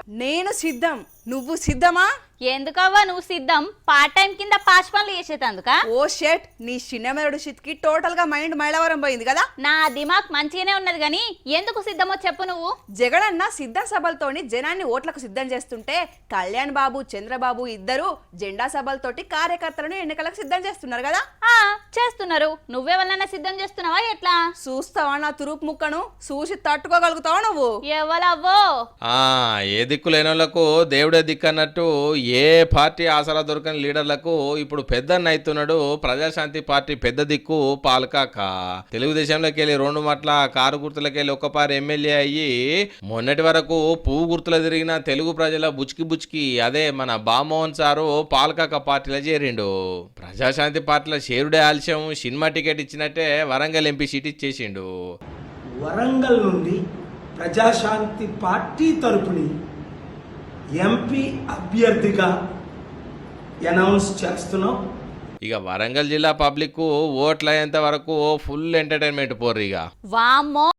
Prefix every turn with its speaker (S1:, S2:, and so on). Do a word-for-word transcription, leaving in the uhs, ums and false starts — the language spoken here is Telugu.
S1: నేను సిద్ధం, నువ్వు సిద్ధమా?
S2: ఎందుకవ్వా నువ్వు సిద్ధం? పార్ట్ టైం కింద పాచ్ పనులు చేసేటందుక?
S1: ఓ షెట్, నీ చిన్నమెరడు షిత్కి టోటల్ గా మైండ్ మైలవరం పోయింది కదా.
S2: నా దిమాగ్ మంచిగానే ఉన్నది గానీ ఎందుకు సిద్ధమో చెప్పు నువ్వు.
S1: జగనన్న సిద్ధ సభలతోని జనాన్ని ఓట్లకు సిద్ధం చేస్తుంటే కళ్యాణ్ బాబు చంద్రబాబు ఇద్దరు జెండా సభలతోటి కార్యకర్తలను ఎన్నికలకు సిద్ధం చేస్తున్నారు కదా.
S2: ఆ చేస్తున్నారు. నువ్వెవరన్నా సిద్ధం చేస్తున్నావా ఎట్లా?
S1: చూస్తావా నా తురుపు ముక్కను? చూసి తట్టుకోగలుగుతావా నువ్వు?
S2: ఎవలవ్వో
S3: ఆ ఏ దిక్కు లేనోళ్లకు దేవుడే దిక్కు అన్నట్టు ఏ పార్టీ ఆసరా దొరకని లీడర్లకు ఇప్పుడు పెద్దన్న అవుతున్నాడు ప్రజాశాంతి పార్టీ పెద్ద దిక్కు పాల్కాక. తెలుగుదేశంలోకి వెళ్ళి రెండు మట్ల కారు గుర్తులకి వెళ్ళి ఒక్కపారి ఎమ్మెల్యే అయ్యి మొన్నటి వరకు పువ్వు గుర్తులు తిరిగిన తెలుగు ప్రజల బుచ్కి బుచ్కి అదే మన బామోహన్ సారు పాల్కాక పార్టీలో చేరిండు. ప్రజాశాంతి పార్టీలో చేరుడే ఆలస్యం, సినిమా టికెట్ ఇచ్చినట్టే వరంగల్ ఎంపీ సీట్ ఇచ్చేసిండు.
S4: వరంగల్ నుండి ప్రజాశాంతి పార్టీ తరపుని ఎంపీ అభ్యర్థిగా అనౌన్స్ చేస్తున్నాం.
S3: ఇక వరంగల్ జిల్లా పబ్లిక్ ఓట్లు అయ్యేంత వరకు ఫుల్ ఎంటర్టైన్మెంట్ పోర్రు. ఇక
S2: వామ్మో